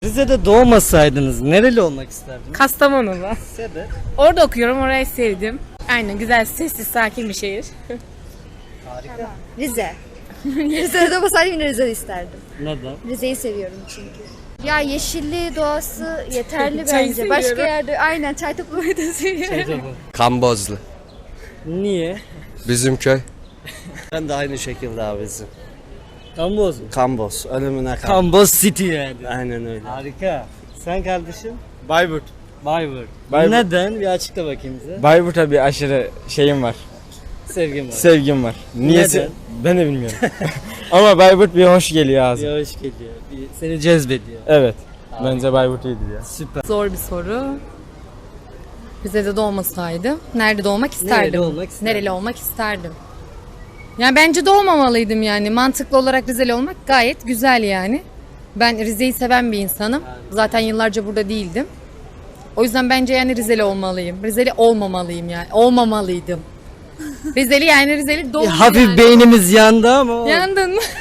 Rize'de doğmasaydınız nereli olmak isterdiniz? Kastamonulu. Sebep? Orada okuyorum, orayı sevdim. Aynen, güzel, sessiz, sakin bir şehir. Harika. Rize. Rize'de doğmasaydım yine Rize'de isterdim. Neden? Rize'yi seviyorum çünkü. Ya yeşilliği, doğası yeterli Çayı bence. seviyorum. Başka yerde aynen çay toplamayı da seviyorum. Kambozlu. Niye? Bizim köy. Ben de aynı şekilde abi bizim. Kamboz mu? Kamboz, ölümüne kal. Kamboz City yani. Aynen öyle. Harika. Sen kardeşim? Bayburt. Bayburt. Bayburt. Neden? Bir açıkla bakayım bize. Bayburt'a bir aşırı şeyim var. Sevgim var. Sevgim var. Niyesi? Neden? Ben de bilmiyorum. Ama Bayburt bir hoş geliyor ağzıma. Bir hoş geliyor. Seni cezbediyor. Evet. Bence Bayburt iyidir ya. Süper. Zor bir soru. Rize'de doğmasaydım nerede doğmak isterdim? Nereli olmak isterdin? Nereli olmak isterdim? Yani bence doğmamalıydım yani. Mantıklı olarak Rizeli olmak gayet güzel yani. Ben Rize'yi seven bir insanım. Zaten yıllarca burada değildim. O yüzden bence yani Rizeli olmalıyım. Rizeli olmamalıyım yani. Olmamalıydım. Rizeli yani Rizeli doğdum Hafif yani. beynimiz yandı ama Yandın mı?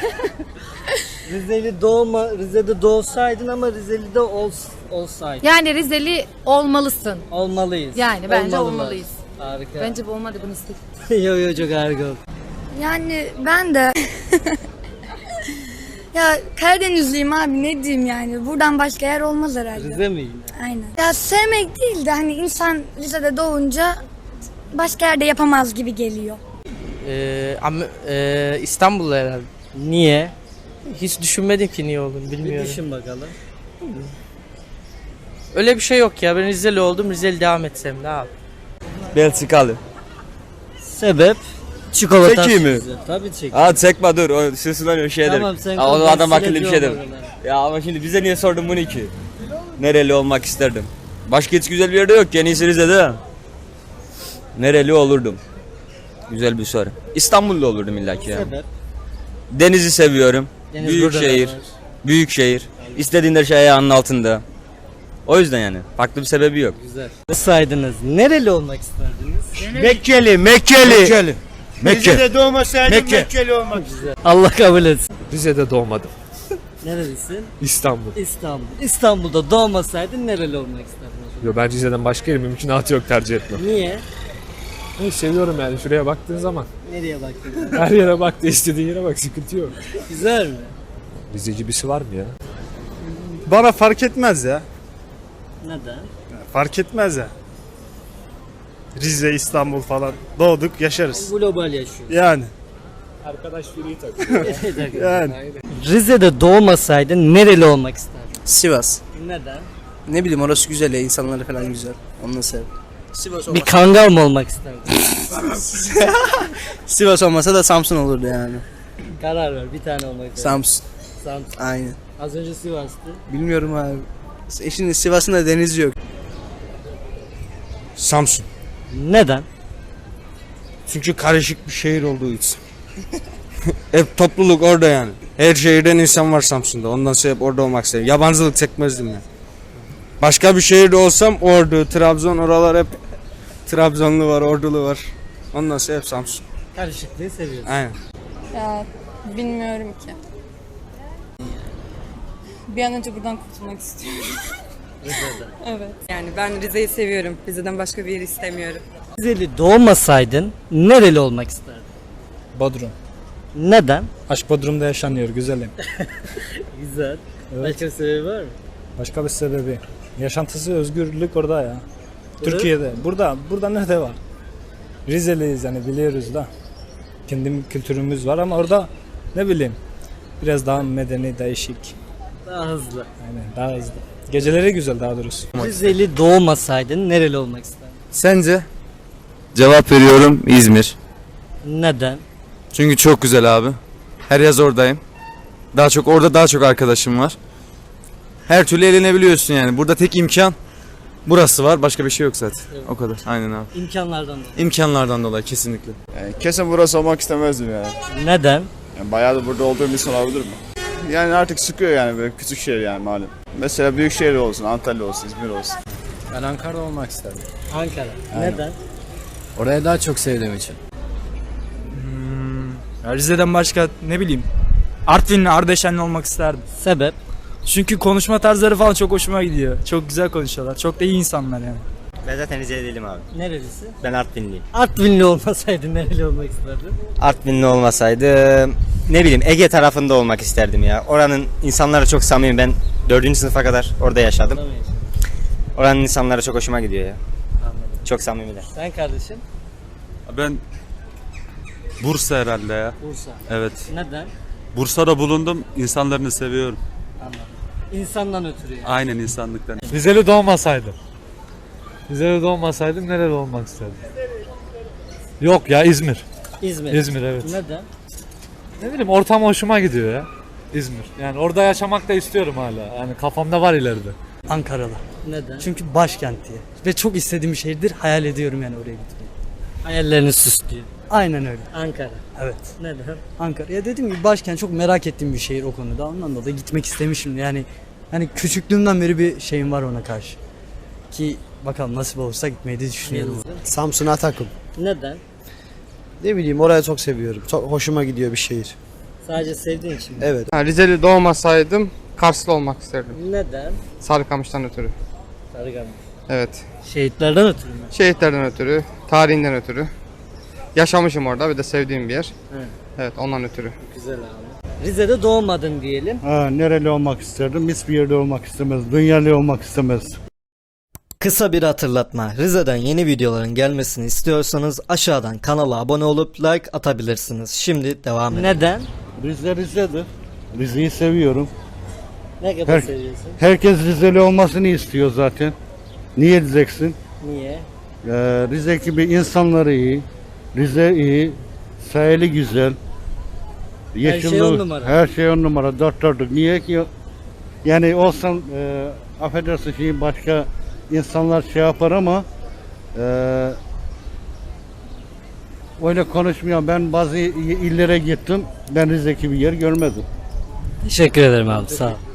Rize'de doğsaydın ama Rizeli'de olsaydın. Yani Rizeli olmalısın. Olmalıyız. Yani bence Olmalılar. olmalıyız. Harika. Bence bu olmadı bunu istedim. yo çok harika oldu. Yani ben de ya Karadenizliyim abi, ne diyeyim yani. Buradan başka yer olmaz herhalde. Rize mi yine? Aynen. Ya sevmek değil de hani insan Rize'de doğunca başka yerde yapamaz gibi geliyor. İstanbul'da herhalde. Niye? Hiç düşünmedim ki niye olduğunu Bir bilmiyorum. düşün bakalım. Öyle bir şey yok ya. Ben Rizeli oldum. Rizeli devam etsem ne abi? Belçikalı. Sebep? Çikolata. Çekeyim mi? sütü. Tabii çek. Aa çekme dur. O sırasından şeydir. Tamam sen Aa, o adam akıllı bir şeydir. olmadın ha. Ya ama şimdi bize niye sordun bunu ki? Nereli olmak isterdim? Başka hiç güzel bir yerde yok. En iyisi Rize'de. Nereli olurdum? Güzel bir soru. İstanbul'da olurdum illaki ya. Sebep? Denizi seviyorum. Deniz Büyük burada da şehir. var. Büyük şehir. İstediğin her şey ayağının altında. O yüzden yani. Farklı bir sebebi yok. Güzel. Saydınız. Nereli olmak isterdiniz? Mekkeli. Rize'de doğmasaydım Mekkeli olmak isterdim. Allah kabul etsin. Rize'de doğmadım. Nerelisin? İstanbul. İstanbul. İstanbul'da doğmasaydın nereli olmak isterdin? Yo, ben Rize'den başka yerim mümkünatı yok, tercih etmem. Niye? Ben seviyorum yani, şuraya baktığın zaman. Nereye baktın? Her yere bak, istediğin yere bak, sıkıntı yok. Güzel mi? Rizeci birisi var mı ya? Bana fark etmez ya. Neden? Fark etmez ya. Rize, İstanbul falan doğduk, yaşarız. Global yaşıyor. Yani. Arkadaş biri takıyor. Yani. Rize'de doğmasaydın nereli olmak isterdin? Sivas. Neden? Ne bileyim, orası güzel ya, insanları falan güzel. Onu sev. Sivas Bir kangal mı olmak isterdin? Sivas olmasa da Samsun olurdu yani. Karar ver. Bir tane olmak isterdin. Samsun. Samsun. Aynen. Az önce Sivas'tı. Bilmiyorum abi. Şimdi Sivas'ın da denizi yok. Samsun. Neden? Çünkü karışık bir şehir olduğu için. Hep topluluk orada yani. Her şehirden insan var Samsun'da. Ondan sonra hep orada olmak istedim. Yabancılık çekmezdim yani. Başka bir şehirde olsam Ordu, Trabzon, oralar hep Trabzonlu var, Ordulu var. Ondan sonra hep Samsun. Karışıklığı seviyorsun. Aynen. Ya bilmiyorum ki. Bir an önce buradan kurtulmak istiyorum. Evet. Yani ben Rize'yi seviyorum. Rize'den başka bir yer istemiyorum. Rizeli doğmasaydın nereli olmak isterdin? Bodrum. Neden? Aşk Bodrum'da yaşanıyor, güzelim. Güzel. Başka bir sebebi var mı? Başka bir sebebi. Yaşantısı, özgürlük orada ya. Türkiye'de. Burada nerede var? Rizeliyiz yani, biliyoruz da. Kendi kültürümüz var ama orada ne bileyim biraz daha medeni, değişik. Daha hızlı. Yani daha hızlı. Geceleri güzel daha doğrusu. Rizeli doğmasaydın nereli olmak isterdin? Sence? Cevap veriyorum, İzmir. Neden? Çünkü çok güzel abi. Her yaz oradayım. Orada daha çok arkadaşım var. Her türlü eğlenebiliyorsun yani. Burada tek imkan burası var. Başka bir şey yok zaten. Evet. O kadar. Aynen abi. İmkanlardan dolayı. İmkanlardan dolayı kesinlikle. Yani kesin burası olmak istemezdim yani. Neden? Yani bayağı da burada olduğum için olabilir mi? Yani artık sıkıyor yani, böyle küçük şehir yani malum. Mesela büyük şehir olsun, Antalya olsun, İzmir olsun. Ben Ankara'da olmak isterdim. Ankara. Aynen. Neden? Orayı daha çok sevdiğim için. Rize'den başka ne bileyim Artvinli, Ardeşenli olmak isterdim. Sebep? Çünkü konuşma tarzları falan çok hoşuma gidiyor. Çok güzel konuşuyorlar. Çok da iyi insanlar yani. Ben zaten Rize'li değilim abi. Nerelisin? Ben Artvinliyim. Artvinli olmasaydın nereli olmak isterdin? Artvinli olmasaydı ne bileyim Ege tarafında olmak isterdim ya. Oranın insanları çok samimi. Ben 4. sınıfa kadar orada yaşadım. Tamam. Oranın insanları çok hoşuma gidiyor ya. Anladım. Çok samimiler. Sen kardeşim? Ben Bursa herhalde ya. Bursa. Evet. Neden? Bursa'da bulundum. İnsanlarını seviyorum. Anladım. İnsandan ötürü yani. Aynen insanlıktan. Rizeli doğmasaydım. Rizeli doğmasaydım nereli olmak isterdim? Yok ya İzmir. İzmir. İzmir, evet. Neden? Ne bileyim ortam hoşuma gidiyor ya. İzmir. Yani orada yaşamak da istiyorum hala. Yani kafamda var ileride. Ankara'da. Neden? Çünkü başkent diye. Ve çok istediğim bir şehirdir. Hayal ediyorum yani oraya gitmeyi. Hayallerini süslüyor. Aynen öyle. Ankara. Evet. Neden? Ankara. Ya dediğim gibi başkent, çok merak ettiğim bir şehir o konuda. Ondan dolayı gitmek istemişim. Yani hani küçüklüğümden beri bir şeyim var ona karşı. Ki bakalım nasip olursa gitmeyi de düşünüyorum. Samsun Atakum. Neden? Ne bileyim orayı çok seviyorum. Çok hoşuma gidiyor bir şehir. Sadece sevdiğin için mi? Evet. Rizeli doğmasaydım Karslı olmak isterdim. Neden? Sarıkamış'tan ötürü. Sarıkamış. Evet. Şehitlerden ötürü mü? Şehitlerden ötürü, tarihinden ötürü. Yaşamışım orada, bir de sevdiğim bir yer. Evet. Evet, ondan ötürü. Güzel abi. Rize'de doğmadın diyelim. Nereli olmak isterdim? Hiçbir yerde olmak istemez. Dünyalı olmak istemez. Kısa bir hatırlatma. Rize'den yeni videoların gelmesini istiyorsanız aşağıdan kanala abone olup like atabilirsiniz. Şimdi devam edelim. Neden? Rize'dir. Rize'yi seviyorum. Ne kadar seviyorsun? Herkes Rizeli olmasını istiyor zaten. Niye diyeceksin? Niye? Rize gibi insanları iyi. Rize iyi. Sahili güzel. şey on numara. Her şey on numara. Dört dörtlük. Niye ki? Yani olsan affedersin şimdi başka insanlar şey yapar ama öyle konuşmuyor. Ben bazı illere gittim. Ben Rize gibi yer görmedim. Teşekkür ederim abi, sağ ol.